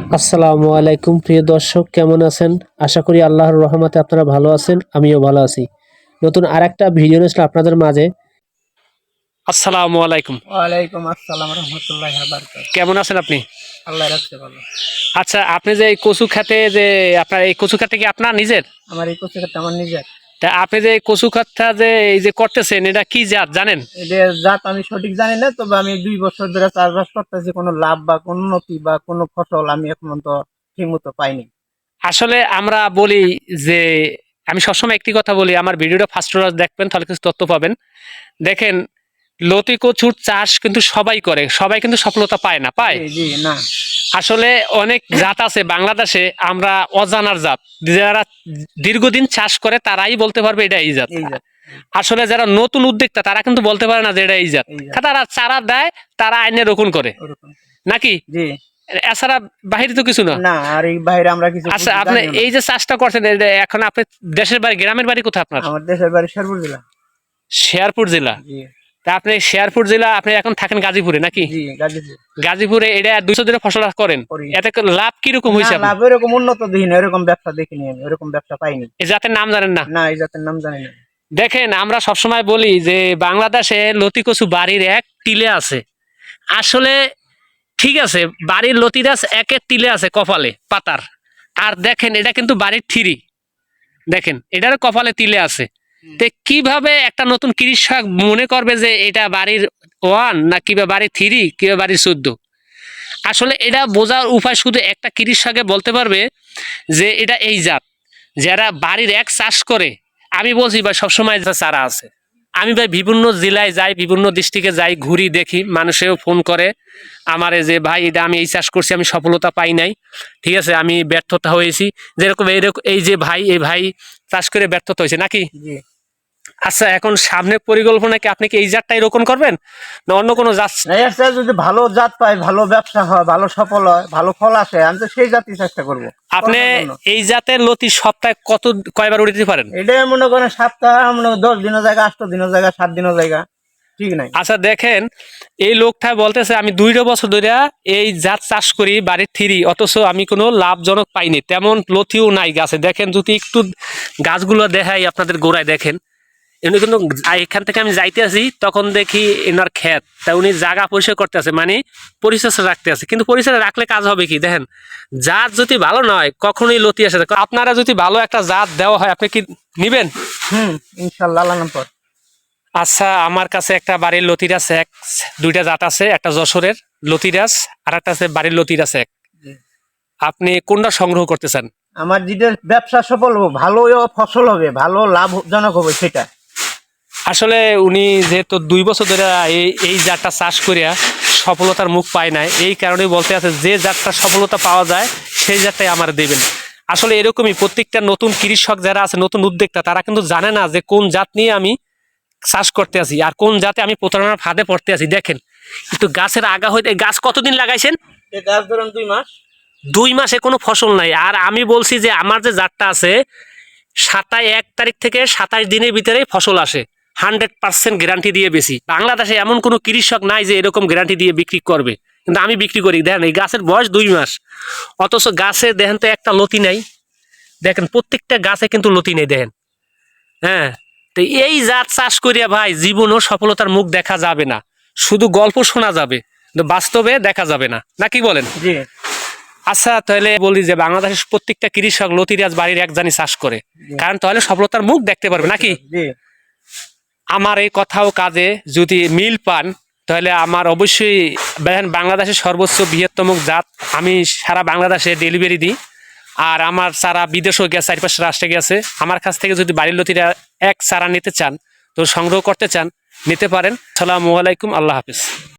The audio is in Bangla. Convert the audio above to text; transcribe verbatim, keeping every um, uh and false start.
আসসালামু আলাইকুম প্রিয় দর্শক, কেমন আছেন? আশা করি আল্লাহর রহমতে আপনারা ভালো আছেন, আমিও ভালো আছি। নতুন আরেকটা ভিডিও নিয়ে আসলাম আপনাদের মাঝে। আসসালামু আলাইকুম। ওয়ালাইকুম আসসালাম রহমতুল্লাহি ওয়া বারাকাতুহু। কেমন আছেন আপনি? আল্লাহ রাখছে ভালো। আচ্ছা, আপনি যে এই কচু খেতে যে আপনার এই কচু খেতে কি আপনার নিজের? আমার এই কচু ক্ষেতটা আমার নিজের। তা আপনি যে এই কচু খেতটা যে এই যে করতেছেন, এটা কি জাত জানেন? এদের জাত আমি সঠিক জানি না, তবে আমি দুই বছর ধরে চাষবাস করতেছি, কোনো লাভ বা কোনো উন্নতি বা কোনো ফসল আমি এখন পর্যন্ত ঠিক মতো পাইনি। আসলে আমরা বলি যে, আমি সবসময় একটি কথা বলি, আমার ভিডিওটা ফার্স্ট দেখবেন তাহলে কিছু তথ্য পাবেন। দেখেন, লতি কচুর চাষ কিন্তু সবাই করে, সবাই কিন্তু সফলতা পায় না, পায়? জি জি না। আসলে অনেক জাত আছে বাংলাদেশে, আমরা অজানার জাত, যারা দীর্ঘদিন চাষ করে তারাই বলতে পারবে এটা এই জাত। এই জাত আসলে যারা নতুন উদ্যোক্তা তারা কিন্তু বলতে পারে না যে এটা এই জাত। এই জাত তারা চারা দেয়, তারা আইনে রোপণ করে, ওরকম। নাকি? জি এছাড়া বাহিরে তো কিছু না। না, আর এই বাইরে আমরা কিছু আচ্ছা, বুঝি আপনি জানিও না। এই যে চাষটা করছেন, এটা এখন আপনি দেশের বাড়ি, গ্রামের বাড়ি কোথায় আপনার? আমার দেশের বাড়ি শেরপুর জেলা। শেরপুর জেলা? জি তা আপনি শেরপুর জেলা, আপনি এখন থাকেন গাজীপুরে, নাকি? জি গাজীপুর গাজীপুরে এটা দুইশো দিনের ফসল করেন, করি। এতে লাভ কিরকম না, হয়েছে? লাভ এরকম উন্নত দেখিনি, এরকম ব্যবসা দেখিনি আমি, এরকম ব্যবসা পাইনি। এই জাতের নাম জানেন না? না, এই জাতের নাম জানি না। দেখেন, আমরা সবসময় বলি যে বাংলাদেশে লতি কচু বাড়ির এক টিলে আছে। আসলে ঠিক আছে, বাড়ির লতি গাছ একের টিলে আছে কপালে পাতার। আর দেখেন, এটা কিন্তু বাড়ির থিরি। দেখেন, এটার কপালে তিলে আছে। তে কিভাবে একটা নতুন কৃষক মনে করবে যে এটা বাড়ির ওয়ান না কিবা বাড়ির থ্রি কিবা বাড়ির চোদ্দ? আসলে এটা বোঝার উপায় শুধু একটা কৃষকে বলতে পারবে যে এটা এই জাত। যারা বাড়ির এক চাষ করে, আমি বলছি ভাই সবসময় যা চারা আছে। আমি ভাই বিভিন্ন জেলায় যাই, বিভিন্ন ডিস্ট্রিক্টে যাই, ঘুরি, দেখি, মানুষেও ফোন করে আমারে যে ভাই এটা আমি এই চাষ করছি, আমি সফলতা পাই নাই, ঠিক আছে, আমি ব্যর্থতা হয়েছি। যেরকম এইরকম এই যে ভাই, এই ভাই চাষ করে ব্যর্থতা হয়েছে, নাকি? জি আচ্ছা, এখন সামনের পরিকল্পনা কি আপনি কি এই জাতটাই রোপণ করবেন না অন্য কোনো জাত? না, এর চেয়ে যদি ভালো জাত পাই, ভালো ব্যবসা হয়, ভালো সফল হয়, ভালো ফল আসে, আমি তো সেই জাতই চেষ্টা করবো আপনি করার জন্য। এই জাতের লতি সপ্তাহে কত কয়বার উড়ে দিতে পারেন? এটাই মনে করেন সপ্তাহ মনে করেন দশ দিনের জায়গা, আট দিনের জায়গা, সাত দিনের জায়গা, ঠিক নাই। আচ্ছা দেখেন, এই লোকটা বলতেছে আমি দুইটা বছর ধরে এই জাত চাষ করি বাড়ির থ্রি, অথচ আমি কোনো লাভজনক পাইনি, তেমন লতিও নাই গাছে। দেখেন, যদি একটু গাছগুলো দেখাই আপনাদের গোড়ায়, দেখেন উনি কিন্তু, এখান থেকে আমি যাইতে আছি তখন দেখি এনার ক্ষেত, তা উনি জায়গা পরিষ্কার করতে আছে, মানে পরিচর্যা রাখতে আছে। কিন্তু পরিচর্যা রাখলে কাজ হবে কি? দেখেন, জাত যদি ভালো নয় কখনোই লতি আসে না। আপনারা যদি ভালো একটা জাত দেওয়া হয়, আপনি কি নিবেন? হুম, ইনশাল্লাহ আল্লাহ নাম পর। আচ্ছা, আমার কাছে একটা বাড়ির লতিরাস এক, দুইটা জাত আছে, একটা যশোরের লতিরাস আর একটা আছে বাড়ির লতিরাস এক। জি। আপনি কোনটা সংগ্রহ করতে চান? আমার যেটা ব্যবসা সফল হবে, ভালো ফসল হবে, ভালো লাভজনক হবে সেটা। আসলে উনি যেহেতু দুই বছর ধরে এই এই জাতটা চাষ করিয়া সফলতার মুখ পায় নাই, এই কারণেই বলতে আছে যে জাতটা সফলতা পাওয়া যায় সেই জাতটাই আমার দেবেন। আসলে এরকমই প্রত্যেকটা নতুন কৃষক যারা আছে, নতুন উদ্যোক্তা, তারা কিন্তু জানে না যে কোন জাত নিয়ে আমি চাষ করতে আছি আর কোন জাতে আমি প্রতারণার ফাঁদে পড়তে আছি। দেখেন, একটু গাছের আগা হইতে, গাছ কতদিন লাগাইছেন? এই গাছ ধরুন দুই মাস। দুই মাসে কোনো ফসল নাই। আর আমি বলছি যে আমার যে জাতটা আছে, সাতাশ এক তারিখ থেকে সাতাশ দিনের ভিতরেই ফসল আসে, হান্ড্রেড পার্সেন্ট গ্যারান্টি দিয়ে বেশি। বাংলাদেশে এমন কোনো কৃষক নাই যে এরকম গ্যারান্টি দিয়ে বিক্রি করবে, কিন্তু আমি বিক্রি করি। দেখেন, এই গাছের বয়স দুই মাস, অথচ গাছে দেখেন তো একটা লতি নাই। দেখেন, প্রত্যেকটা গাছে কিন্তু লতি নেই, দেখেন। হ্যাঁ, তো এই জাত চাষ করিয়া ভাই জীবনও সফলতার মুখ দেখা যাবে না, শুধু গল্প শোনা যাবে, কিন্তু বাস্তবে দেখা যাবে না, নাকি বলেন? জি আচ্ছা, তাহলে বলি যে বাংলাদেশের প্রত্যেকটা কৃষক লতিরাজ বাড়ির এক জানি চাষ করে, জি কারণ তাহলে সফলতার মুখ দেখতে পারবে, নাকি? জি আমার এই কথাও কাজে যদি মিল পান, তাহলে আমার অবশ্যই দেখেন, বাংলাদেশের সর্বোচ্চ বৃহত্তম জাত আমি সারা বাংলাদেশে ডেলিভারি দিই। আর আমার চারা বিদেশেও গেছে, চারিপাশে রাষ্ট্রে গেছে। আমার কাছ থেকে যদি বাড়ির লতিরা এক চারা নিতে চান, তো সংগ্রহ করতে চান, নিতে পারেন। সালামু আলাইকুম, আল্লাহ হাফিজ।